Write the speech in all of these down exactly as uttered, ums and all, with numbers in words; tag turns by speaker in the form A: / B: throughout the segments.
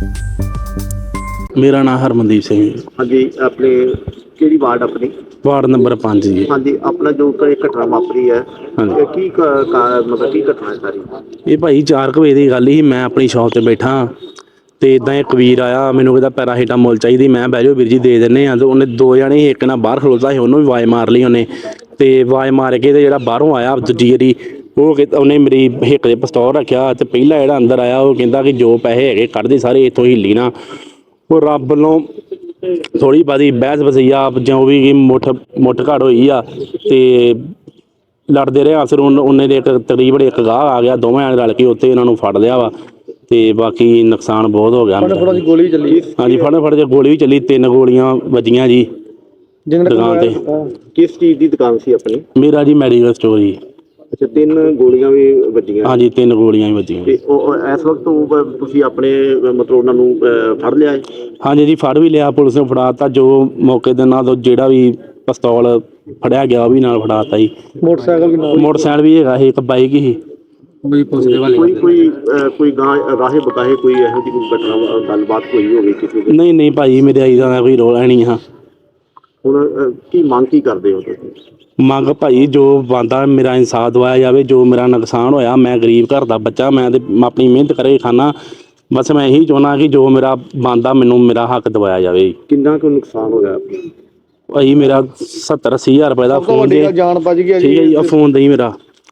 A: ਮੇਰਾ ਨਾਮ ਹਰਮਨਦੀਪ ਸਿੰਘ ਜੀ।
B: ਹਾਂਜੀ, ਆਪਣੇ ਕਿਹੜੀ ਵਾਰਡ ਆਪਣੀ?
A: ਵਾਰਡ ਨੰਬਰ ਪੰਜ ਜੀ।
B: ਹਾਂਜੀ, ਆਪਣਾ ਜੋ ਕੋਈ ਘਟਨਾ ਵਾਪਰੀ ਹੈ,
A: ਹਾਂਜੀ।
B: ਇਹ ਕੀ ਕ- ਕਾ- ਮਤਲਬ ਕੀ ਘਟਨਾ ਹੈ ਸਾਰੀ?
A: ਇਹ ਭਾਈ ਚਾਰ ਕੁ ਵਜੇ ਦੀ ਗੱਲ ਸੀ। ਮੈਂ ਆਪਣੀ ਸ਼ਾਪ ਤੇ ਬੈਠਾ ਤੇ ਇਦਾਂ ਇੱਕ ਵੀਰ ਆਇਆ, ਮੈਨੂੰ ਕਹਿੰਦਾ ਪੈਰਾਸੀਟਾਮੋਲ ਚਾਹੀਦੀ। ਮੈਂ ਬਹਿ ਜਾਓ ਵੀਰ ਜੀ ਦੇ ਦਿੰਦੇ ਆ। ਤੇ ਉਹਨੇ ਦੋ ਜਣੇ ਸੀ, ਇੱਕ ਨਾਲ ਬਾਹਰ ਖਲੋਤਾ ਸੀ, ਉਹਨੂੰ ਵੀ ਆਵਾਜ਼ ਮਾਰ ਲਈ ਉਹਨੇ। ਤੇ ਆਵਾਜ਼ ਮਾਰ ਕੇ ਤੇ ਜਿਹੜਾ ਬਾਹਰੋਂ ਆਇਆ ਦੂਜੀ ਵਾਰੀ, ਉਹ ਕਹਿੰਦਾ ਉਹਨੇ ਮੇਰੀ ਹਿੱਕ ਦੇ ਪਿਸਤੌਲ ਰੱਖਿਆ। ਤੇ ਪਹਿਲਾ ਜਿਹੜਾ ਅੰਦਰ ਆਇਆ ਉਹ ਕਹਿੰਦਾ ਕਿ ਜੋ ਪੈਸੇ ਹੈਗੇ ਕੱਢ ਦੇ ਸਾਰੇ, ਇੱਥੋਂ ਹਿੱਲੀ ਨਾ। ਉਹ ਰੱਬ ਵੱਲੋਂ ਥੋੜ੍ਹੀ ਬਹੁਤੀ ਬਹਿਸ ਵਸਈਆ ਜੋ ਵੀ ਮੁੱਠ ਮੁੱਠ ਘੜ ਹੋਈ ਆ ਤੇ ਲੜਦੇ ਰਹੇ। ਅਸਰ ਉਹਨੇ ਦੇ ਇੱਕ ਤਕਰੀਬਨ ਇੱਕ ਗਾਹ ਆ ਗਿਆ, ਦੋਵੇਂ ਰਲ ਕੇ ਉੱਥੇ ਇਹਨਾਂ ਨੂੰ ਫੜ ਲਿਆ ਵਾ। ਤੇ ਬਾਕੀ ਨੁਕਸਾਨ ਬਹੁਤ ਹੋ ਗਿਆ।
B: ਫੜੋ ਗੋਲੀ ਚੱਲੀ?
A: ਹਾਂਜੀ, ਫੜੋ ਫੜ ਕੇ ਗੋਲੀ ਵੀ ਚੱਲੀ, ਤਿੰਨ ਗੋਲੀਆਂ ਵੱਜੀਆਂ ਜੀ ਦੁਕਾਨ ਤੇ।
B: ਕਿਸ ਚੀਜ਼ ਦੀ ਦੁਕਾਨ ਸੀ ਆਪਣੀ?
A: ਮੇਰਾ ਜੀ ਮੈਡੀਕਲ ਸਟੋਰ ਜੀ।
B: ਅੱਛਾ, ਤਿੰਨ ਗੋਲੀਆਂ ਵੀ ਵੱਜੀਆਂ?
A: ਹਾਂਜੀ, ਤਿੰਨ ਗੋਲੀਆਂ ਵੀ ਵੱਜੀਆਂ।
B: ਤੇ ਉਹ ਇਸ ਵਕਤ ਉਹ ਤੁਸੀਂ ਆਪਣੇ ਮਤਲਬ ਉਹਨਾਂ ਨੂੰ ਅਹ, ਫੜ ਲਿਆ ਹੈ?
A: ਹਾਂਜੀ ਜੀ, ਫੜ ਵੀ ਲਿਆ, ਪੁਲਿਸ ਨੇ ਫੜਾ ਤਾ। ਜੋ ਮੌਕੇ ਦੇ ਨਾਲ ਜਿਹੜਾ ਵੀ ਪਿਸਤੌਲ ਫੜਿਆ ਗਿਆ ਉਹ ਵੀ ਨਾਲ ਫੜਾ ਤਾ ਜੀ।
B: ਮੋਟਰਸਾਈਕਲ ਵੀ ਨਾਲ?
A: ਮੋਟਰਸਾਈਕਲ ਵੀ ਹੈਗਾ ਸੀ, ਇੱਕ ਬਾਈਕ ਸੀ।
B: ਕੋਈ ਕੋਈ ਅਹ, ਕੋਈ ਗਾਂ ਰਾਹੇ ਬਤਾਏ ਕੋਈ ਇਹੋ ਜਿਹੀ ਕੋਈ ਘਟਨਾ ਗੱਲਬਾਤ ਹੋਈ ਹੋਵੇ ਕਿਸੇ ਦੀ?
A: ਨਹੀਂ ਨਹੀਂ ਭਾਈ, ਮੇਰੇ ਆਈ ਦਾ ਕੋਈ ਰੌਲਾ ਨਹੀਂ ਆ।
B: ਹੁਣ ਅਹ, ਕੀ ਮੰਗ ਕੀ ਕਰਦੇ ਹੋ ਤੁਸੀਂ?
A: ਮੰਗ ਭਾਈ ਜੋ ਬਣਦਾ ਮੇਰਾ ਇਨਸਾਫ ਦਵਾਇਆ ਜਾਵੇ। ਜੋ ਮੇਰਾ ਨੁਕਸਾਨ ਹੋਇਆ, ਮੈਂ ਗਰੀਬ ਘਰ ਦਾ ਬੱਚਾ, ਮੈਂ ਤੇ ਆਪਣੀ ਮਿਹਨਤ ਕਰਕੇ ਖਾਨਾ। ਬਸ ਮੈਂ ਇਹੀ ਚਾਹੁੰਦਾ ਕਿ ਜੋ ਮੇਰਾ ਬਣਦਾ ਮੈਨੂੰ ਮੇਰਾ ਹੱਕ ਦਵਾਇਆ ਜਾਵੇ।
B: ਕਿੰਨਾ ਕੁ ਨੁਕਸਾਨ ਹੋਇਆ
A: ਭਾਈ? ਮੇਰਾ ਸੱਤਰ ਅੱਸੀ ਹਜ਼ਾਰ ਰੁਪਏ ਦਾ ਫੋਨ ਦੇ।
B: ਜਾਨ ਬਚ ਗਿਆ
A: ਠੀਕ ਹੈ ਜੀ, ਆ ਫੋਨ ਦੇ ਮੇਰਾ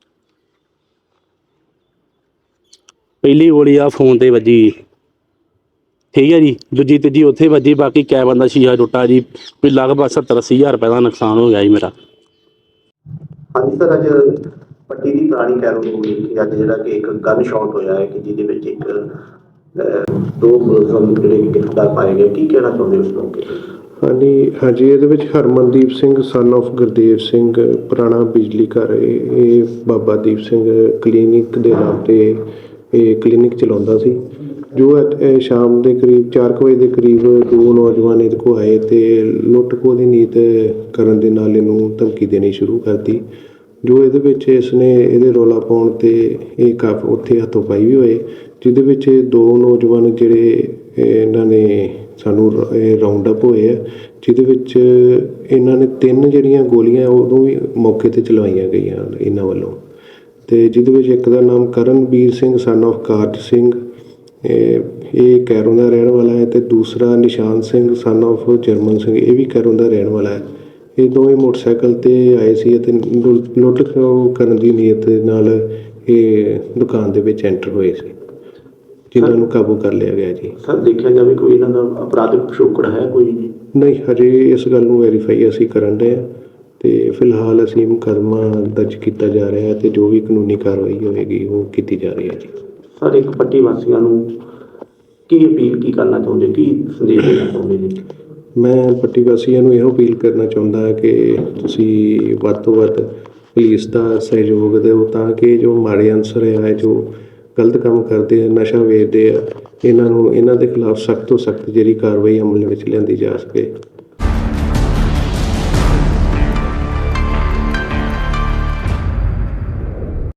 A: ਪਹਿਲੀ ਗੋਲੀ ਆ ਫੋਨ ਤੇ ਵੱਜੀ, ਠੀਕ ਹੈ ਜੀ। ਦੂਜੀ ਤੀਜੀ ਉੱਥੇ ਵੱਜੀ, ਬਾਕੀ ਕੈਬਨ ਦਾ ਸ਼ੀਸ਼ਾ ਟੁੱਟਾ ਜੀ। ਕੋਈ ਲਗਭਗ ਸੱਤਰ ਅੱਸੀ ਹਜ਼ਾਰ ਰੁਪਏ ਦਾ ਨੁਕਸਾਨ ਹੋ ਗਿਆ ਜੀ ਮੇਰਾ।
B: ਹਾਂਜੀ ਸਰ, ਅੱਜ ਪੱਟੀ ਦੀ ਪੁਰਾਣੀ ਕੈਰੋਂ ਕਿ ਅੱਜ ਜਿਹੜਾ ਕਿ ਇੱਕ ਗਨ ਸ਼ਾਟ ਹੋਇਆ ਹੈ ਕਿ ਜਿਹਦੇ ਵਿੱਚ ਇੱਕ ਦੋ ਮੁਲਜ਼ਮ ਜਿਹੜੇ ਗ੍ਰਿਫਤਾਰ ਪਾਏ ਗਏ, ਕੀ ਕਹਿਣਾ ਚਾਹੁੰਦੇ ਉਸ ਮੌਕੇ?
C: ਹਾਂਜੀ ਹਾਂਜੀ, ਇਹਦੇ ਵਿੱਚ ਹਰਮਨਦੀਪ ਸਿੰਘ ਸਨ ਆਫ ਗੁਰਦੇਵ ਸਿੰਘ, ਪੁਰਾਣਾ ਬਿਜਲੀ ਘਰ, ਇਹ ਇਹ ਬਾਬਾ ਦੀਪ ਸਿੰਘ ਕਲੀਨਿਕ ਦੇ ਨਾਮ 'ਤੇ ਇਹ ਕਲੀਨਿਕ ਚਲਾਉਂਦਾ ਸੀ। ਜੋ ਅੱਜ ਸ਼ਾਮ ਦੇ ਕਰੀਬ ਚਾਰ ਕੁ ਵਜੇ ਦੇ ਕਰੀਬ ਦੋ ਨੌਜਵਾਨ ਇਹਦੇ ਕੋਲ ਆਏ ਅਤੇ ਲੁੱਟ ਖੋਹ ਦੀ ਨੀਤ ਕਰਨ ਦੇ ਨਾਲ ਇਹਨੂੰ ਧਮਕੀ ਦੇਣੀ ਸ਼ੁਰੂ ਕਰਤੀ। ਜੋ ਇਹਦੇ ਵਿੱਚ ਇਸਨੇ ਇਹਦੇ ਰੌਲਾ ਪਾਉਣ 'ਤੇ ਇਹ ਕਾਫੀ ਉੱਥੇ ਹੱਥੋਂ ਪਾਈ ਵੀ ਹੋਏ, ਜਿਹਦੇ ਵਿੱਚ ਦੋ ਨੌਜਵਾਨ ਜਿਹੜੇ ਇਹਨਾਂ ਨੇ ਸਾਨੂੰ ਇਹ ਰਾਊਂਡ ਅਪ ਹੋਏ ਆ, ਜਿਹਦੇ ਵਿੱਚ ਇਹਨਾਂ ਨੇ ਤਿੰਨ ਜਿਹੜੀਆਂ ਗੋਲੀਆਂ ਉਦੋਂ ਵੀ ਮੌਕੇ 'ਤੇ ਚਲਵਾਈਆਂ ਗਈਆਂ ਇਹਨਾਂ ਵੱਲੋਂ। ਅਤੇ ਜਿਹਦੇ ਵਿੱਚ ਇੱਕ ਦਾ ਨਾਮ ਕਰਨਵੀਰ ਸਿੰਘ ਸਨ ਆਫ ਕਾਰਜ ਸਿੰਘ, ਇਹ ਇਹ ਕੈਰੋਂ ਦਾ ਰਹਿਣ ਵਾਲਾ ਹੈ। ਅਤੇ ਦੂਸਰਾ ਨਿਸ਼ਾਨ ਸਿੰਘ ਸਨ ਆਫ ਜਰਮਨ ਸਿੰਘ, ਇਹ ਵੀ ਕੈਰੋਂ ਦਾ ਰਹਿਣ ਵਾਲਾ ਹੈ। ਇਹ ਦੋਵੇਂ ਮੋਟਰਸਾਈਕਲ 'ਤੇ ਆਏ ਸੀ ਅਤੇ ਲੁੱਟ ਖੋਹ ਕਰਨ ਦੀ ਨੀਅਤ ਦੇ ਨਾਲ ਇਹ ਦੁਕਾਨ ਦੇ ਵਿੱਚ ਐਂਟਰ ਹੋਏ ਸੀ, ਜਿਨ੍ਹਾਂ ਨੂੰ ਕਾਬੂ ਕਰ ਲਿਆ ਗਿਆ ਜੀ।
B: ਸਰ, ਦੇਖਿਆ ਜਾਵੇ ਕੋਈ ਇਹਨਾਂ ਦਾ ਅਪਰਾਧਿਕ ਪਿਛੋਕੜ ਹੈ ਕੋਈ?
C: ਨਹੀਂ, ਹਜੇ ਇਸ ਗੱਲ ਨੂੰ ਵੈਰੀਫਾਈ ਅਸੀਂ ਕਰਨ ਰਹੇ ਹਾਂ ਅਤੇ ਫਿਲਹਾਲ ਅਸੀਂ ਮੁਕੱਦਮਾ ਦਰਜ ਕੀਤਾ ਜਾ ਰਿਹਾ ਹੈ ਅਤੇ ਜੋ ਵੀ ਕਾਨੂੰਨੀ ਕਾਰਵਾਈ ਹੋਏਗੀ ਉਹ ਕੀਤੀ ਜਾ ਰਹੀ ਹੈ ਜੀ।
B: ਸਰ, ਇੱਕ ਪੱਟੀ ਵਾਸੀਆਂ ਨੂੰ ਕੀ ਅਪੀਲ ਕੀ ਕਰਨਾ ਚਾਹੁੰਦੇ, ਕੀ ਸੰਦੇਸ਼ ਦੇਣਾ ਚਾਹੁੰਦੇ ਜੀ?
C: ਮੈਂ ਪੱਟੀ ਵਾਸੀਆਂ ਨੂੰ ਇਹੋ ਅਪੀਲ ਕਰਨਾ ਚਾਹੁੰਦਾ ਕਿ ਤੁਸੀਂ ਵੱਧ ਤੋਂ ਵੱਧ ਪੁਲਿਸ ਦਾ ਸਹਿਯੋਗ ਦਿਓ, ਤਾਂ ਕਿ ਜੋ ਮਾੜੇ ਅਨਸਰ ਹੈ, ਜੋ ਗਲਤ ਕੰਮ ਕਰਦੇ ਆ, ਨਸ਼ਾ ਵੇਚਦੇ ਆ, ਇਹਨਾਂ ਨੂੰ ਇਹਨਾਂ ਦੇ ਖਿਲਾਫ ਸਖਤ ਤੋਂ ਸਖਤ ਜਿਹੜੀ ਕਾਰਵਾਈ ਅਮਲ ਵਿੱਚ ਲਿਆਂਦੀ ਜਾ ਸਕੇ।